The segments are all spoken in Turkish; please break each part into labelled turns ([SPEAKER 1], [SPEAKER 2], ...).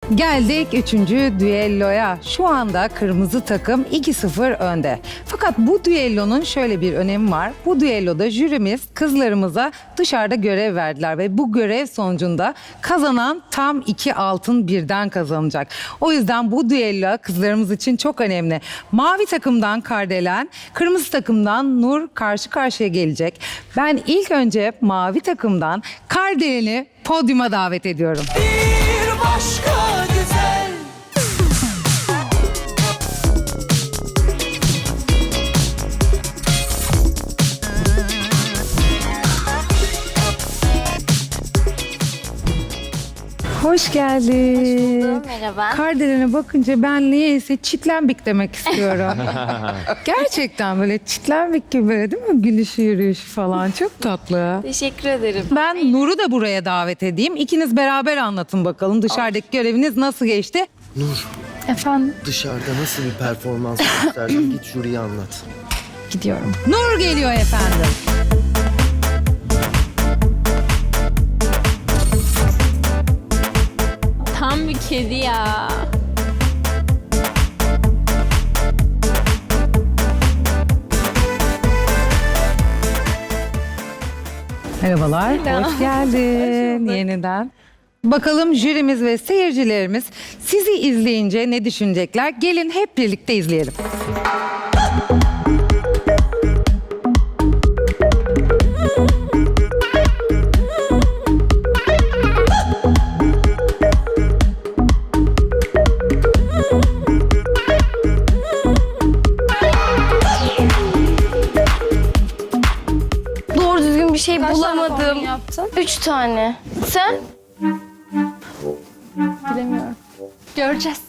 [SPEAKER 1] Geldik 3. düelloya. Şu anda kırmızı takım 2-0 önde. Fakat bu düellonun şöyle bir önemi var. Bu düelloda jürimiz kızlarımıza dışarıda görev verdiler ve bu görev sonucunda kazanan tam 2 altın birden kazanacak. O yüzden bu düello kızlarımız için çok önemli. Mavi takımdan Kardelen, kırmızı takımdan Nur karşı karşıya gelecek. Ben ilk önce mavi takımdan Kardelen'i podyuma davet ediyorum.
[SPEAKER 2] Bir başka güzel.
[SPEAKER 1] Hoş geldin.
[SPEAKER 3] Hoş buldum, merhaba.
[SPEAKER 1] Kardelen'e bakınca ben niyeyse çitlenbik demek istiyorum. Gerçekten böyle çitlenbik gibi böyle değil mi? Gülüşü yürüyüşü falan çok tatlı.
[SPEAKER 3] Teşekkür ederim.
[SPEAKER 1] Ben Nur'u da buraya davet edeyim. İkiniz beraber anlatın bakalım dışarıdaki göreviniz nasıl geçti?
[SPEAKER 4] Nur,
[SPEAKER 3] Efendim,
[SPEAKER 4] dışarıda nasıl bir performans gösterdin? Git jüriye anlat.
[SPEAKER 3] gidiyorum.
[SPEAKER 1] Nur geliyor efendim.
[SPEAKER 3] Tam bir kedi ya.
[SPEAKER 1] Merhabalar, hoş geldin yeniden. Bakalım jürimiz ve seyircilerimiz sizi izleyince ne düşünecekler? Gelin hep birlikte izleyelim.
[SPEAKER 5] Doğru düzgün bir şey
[SPEAKER 3] Kaç tane
[SPEAKER 5] bulamadım.
[SPEAKER 3] kombin yaptın?
[SPEAKER 5] 3 tane. Sen?
[SPEAKER 3] Bilemiyorum. Göreceğiz.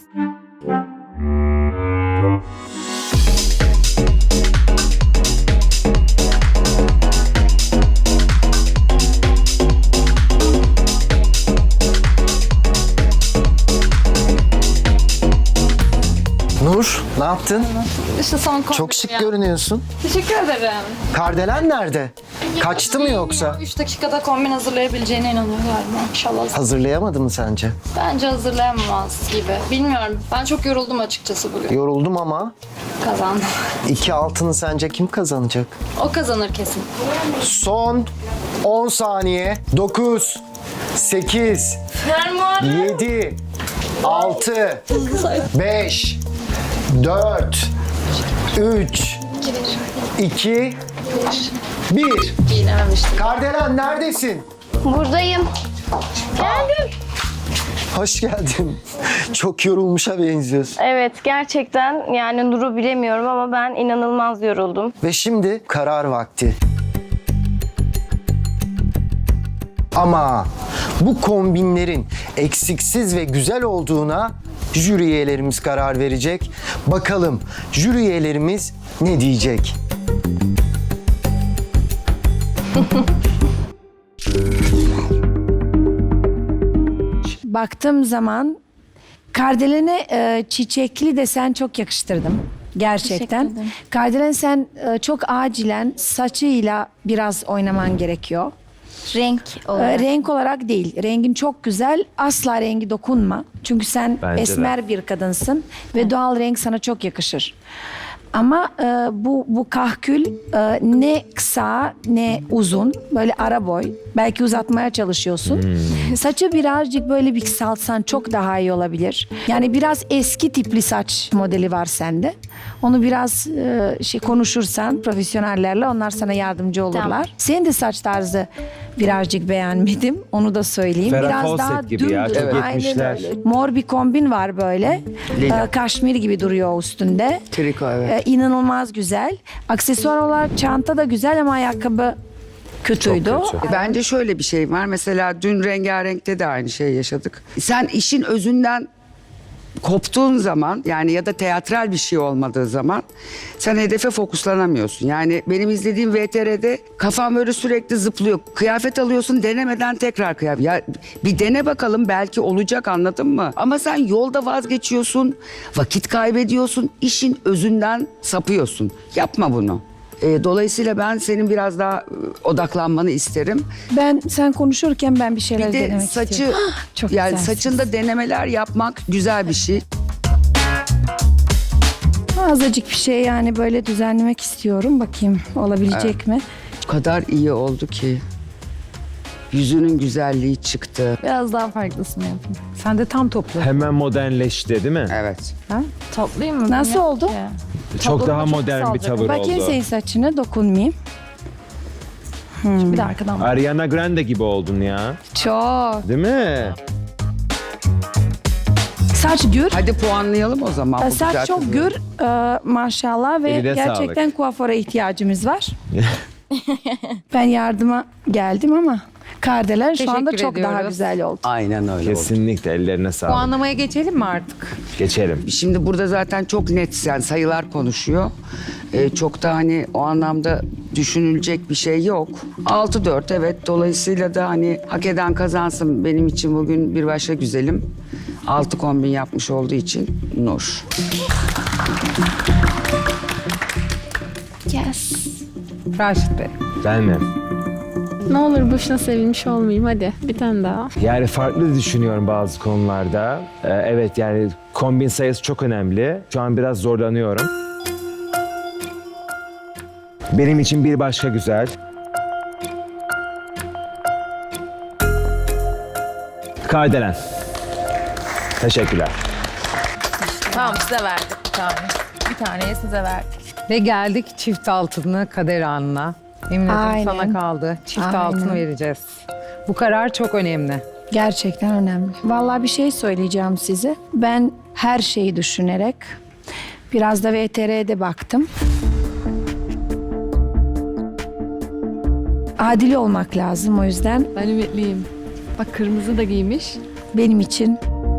[SPEAKER 4] Nur, ne yaptın?
[SPEAKER 3] İşte son kombin.
[SPEAKER 4] Çok şık görünüyorsun.
[SPEAKER 3] Teşekkür ederim.
[SPEAKER 4] Kardelen nerede? Kaçtı mı yoksa?
[SPEAKER 3] 3 dakikada kombin hazırlayabileceğine inanıyorum galiba. İnşallah.
[SPEAKER 4] Hazırlayamadı mı sence?
[SPEAKER 3] Bence hazırlayamaz gibi. Bilmiyorum. Ben çok yoruldum açıkçası bugün.
[SPEAKER 4] Yoruldum ama
[SPEAKER 3] Kazandım.
[SPEAKER 4] 2 altını sence kim kazanacak?
[SPEAKER 3] O kazanır kesin.
[SPEAKER 4] Son 10 saniye. 9, 8, 7, 6, 5, 4, 3, 2, 1.
[SPEAKER 3] Giyinememiştim.
[SPEAKER 4] Kardelen neredesin?
[SPEAKER 5] Buradayım. Geldim.
[SPEAKER 4] Hoş geldin. Çok yorulmuşa benziyorsun.
[SPEAKER 5] Evet, gerçekten yani Nur'u bilemiyorum ama ben inanılmaz yoruldum.
[SPEAKER 4] Ve şimdi karar vakti. Ama bu kombinlerin eksiksiz ve güzel olduğuna jüri üyelerimiz karar verecek. Bakalım jüri üyelerimiz ne diyecek?
[SPEAKER 6] Baktığım zaman Kardelen'e çiçekli desen çok yakıştırdım. Gerçekten.
[SPEAKER 3] Teşekkür ederim.
[SPEAKER 6] Kardelen sen çok acilen saçıyla biraz oynaman gerekiyor.
[SPEAKER 3] Renk olarak.
[SPEAKER 6] Renk olarak değil. Rengin çok güzel. Asla rengi dokunma. Çünkü sen esmer bir kadınsın ve doğal renk sana çok yakışır. Ama bu kahkül ne kısa ne uzun, böyle ara boy. Belki uzatmaya çalışıyorsun. Saçı birazcık böyle bir kısaltsan çok daha iyi olabilir. Yani biraz eski tipli saç modeli var sende. Onu biraz konuşursan profesyonellerle, onlar sana yardımcı olurlar.
[SPEAKER 3] Tamam.
[SPEAKER 6] Senin de saç tarzı birazcık beğenmedim. Onu da söyleyeyim.
[SPEAKER 7] Ferah
[SPEAKER 6] Biraz
[SPEAKER 7] Fawcett
[SPEAKER 6] daha
[SPEAKER 7] gibi ya,
[SPEAKER 6] dümdüz.
[SPEAKER 7] çok
[SPEAKER 6] Aynen
[SPEAKER 7] 70'ler.
[SPEAKER 6] öyle. Mor bir kombin var böyle. Kaşmir gibi duruyor üstünde.
[SPEAKER 4] Triko, evet.
[SPEAKER 6] İnanılmaz güzel. Aksesuar olarak çanta da güzel ama ayakkabı kötüydü.
[SPEAKER 8] Bence şöyle bir şey var. Mesela dün Rengarenk'te de aynı şeyi yaşadık. Sen işin özünden koptuğun zaman, yani ya da teatral bir şey olmadığı zaman sen hedefe fokuslanamıyorsun. Yani benim izlediğim VTR'de kafam böyle sürekli zıplıyor. Kıyafet alıyorsun, denemeden tekrar kıyafet. Ya bir dene bakalım, belki olacak, anladın mı? Ama sen yolda vazgeçiyorsun, vakit kaybediyorsun, işin özünden sapıyorsun. Yapma bunu. Dolayısıyla ben senin biraz daha odaklanmanı isterim.
[SPEAKER 6] Sen konuşurken ben bir şeyler
[SPEAKER 8] Bir de
[SPEAKER 6] denemek
[SPEAKER 8] saçı
[SPEAKER 6] istiyorum. Çok
[SPEAKER 8] yani
[SPEAKER 6] güzelsin.
[SPEAKER 8] saçında denemeler yapmak güzel bir şey.
[SPEAKER 6] Azıcık bir şey yani böyle düzenlemek istiyorum. Bakayım olabilecek mi?
[SPEAKER 8] O kadar iyi oldu ki. Yüzünün güzelliği çıktı.
[SPEAKER 7] Biraz daha farklısını yapayım.
[SPEAKER 1] Sen de tam topla.
[SPEAKER 9] Hemen modernleşti değil mi?
[SPEAKER 8] Evet.
[SPEAKER 7] Toplayayım mı?
[SPEAKER 6] Nasıl
[SPEAKER 7] Yok
[SPEAKER 6] oldu?
[SPEAKER 7] ki.
[SPEAKER 9] Çok
[SPEAKER 7] Toplama
[SPEAKER 9] daha
[SPEAKER 7] çok
[SPEAKER 9] modern bir
[SPEAKER 7] kısalacak.
[SPEAKER 9] tavır
[SPEAKER 6] Bakayım
[SPEAKER 9] oldu.
[SPEAKER 6] senin saçına dokunmayayım.
[SPEAKER 7] Bir de arkadan bak.
[SPEAKER 9] Ariana Grande gibi oldun ya.
[SPEAKER 6] Çok.
[SPEAKER 9] Değil mi?
[SPEAKER 6] Saç gür.
[SPEAKER 8] Hadi puanlayalım o zaman. bu güzel
[SPEAKER 6] Saç çok
[SPEAKER 8] kızı.
[SPEAKER 6] gür maşallah ve
[SPEAKER 9] Eline
[SPEAKER 6] gerçekten kuaföre ihtiyacımız var. Ben yardıma geldim ama Kardelen şu anda
[SPEAKER 1] Teşekkür
[SPEAKER 6] çok daha
[SPEAKER 1] ediyoruz.
[SPEAKER 6] güzel oldu.
[SPEAKER 8] Aynen öyle oldu.
[SPEAKER 9] Kesinlikle ellerine sağlık.
[SPEAKER 1] Puanlamaya geçelim mi artık?
[SPEAKER 9] Geçelim.
[SPEAKER 8] Şimdi burada zaten çok net yani sayılar konuşuyor. Çok da hani o anlamda düşünülecek bir şey yok. 6-4 evet. Dolayısıyla da hani hak eden kazansın benim için bugün bir başka güzelim. 6 kombin yapmış olduğu için Nur.
[SPEAKER 7] Yes.
[SPEAKER 1] Raşit Bey.
[SPEAKER 9] Ben mi?
[SPEAKER 7] Ne olur boşuna sevinmiş olmayayım hadi. Bir tane daha.
[SPEAKER 9] Yani farklı düşünüyorum bazı konularda. Evet yani kombin sayısı çok önemli. Şu an biraz zorlanıyorum. Benim için bir başka güzel. Kardelen. Teşekkürler.
[SPEAKER 10] Tamam size verdik bir tane. Bir taneyi size verdik.
[SPEAKER 1] Ve geldik çift altını kader anına. Emin ederim
[SPEAKER 6] Aynen.
[SPEAKER 1] sana kaldı. Çift
[SPEAKER 6] Aynen.
[SPEAKER 1] altını vereceğiz. Bu karar çok önemli.
[SPEAKER 6] Gerçekten önemli. Vallahi bir şey söyleyeceğim size. Ben her şeyi düşünerek biraz da VTR'de baktım. Adil olmak lazım o yüzden
[SPEAKER 7] Ben ümitliyim. Bak kırmızı da giymiş.
[SPEAKER 6] benim için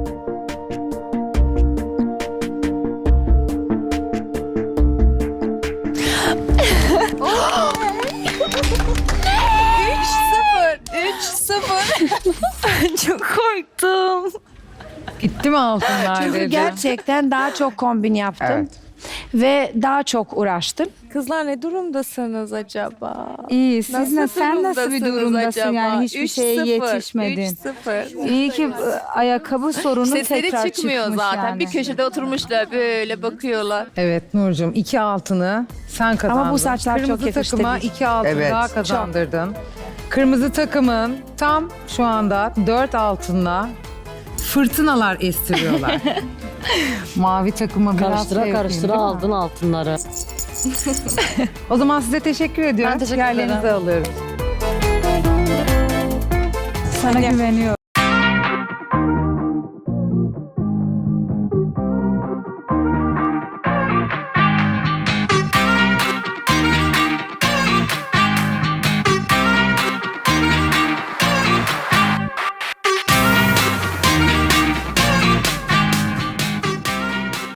[SPEAKER 10] Çok korktum.
[SPEAKER 1] Gitti mi altınlar
[SPEAKER 6] çünkü
[SPEAKER 1] dedi.
[SPEAKER 6] gerçekten daha çok kombin yaptım.
[SPEAKER 8] Evet.
[SPEAKER 6] Ve daha çok uğraştım.
[SPEAKER 10] Kızlar ne durumdasınız acaba?
[SPEAKER 11] İyi. Siz sen nasıl bir
[SPEAKER 10] durumdasınız
[SPEAKER 11] durumdasın
[SPEAKER 10] acaba?
[SPEAKER 11] yani hiçbir şeye
[SPEAKER 10] 3-0,
[SPEAKER 11] yetişmedin.
[SPEAKER 10] 3-0.
[SPEAKER 11] İyi ki ayakkabı sorunu
[SPEAKER 10] Sesleri
[SPEAKER 11] tekrar
[SPEAKER 10] çıkmıyor
[SPEAKER 11] çıkmış
[SPEAKER 10] zaten.
[SPEAKER 11] yani.
[SPEAKER 10] Bir köşede oturmuşlar böyle bakıyorlar.
[SPEAKER 1] Evet Nurcuğum 2 altını sen kazandın.
[SPEAKER 6] bu saçlar çok
[SPEAKER 1] Kırmızı
[SPEAKER 6] yakıştı
[SPEAKER 1] takıma
[SPEAKER 6] değil.
[SPEAKER 1] 2 altın
[SPEAKER 8] Evet.
[SPEAKER 1] daha kazandırdın. Kırmızı takımın tam şu anda 4 altınla fırtınalar estiriyorlar. Mavi takıma biraz şey yapayım, değil mi?
[SPEAKER 12] aldın altınları.
[SPEAKER 1] O zaman size teşekkür ediyorum.
[SPEAKER 7] Ben teşekkür ederim.
[SPEAKER 1] Yerlerinizi alıyoruz.
[SPEAKER 11] Sana güveniyorum.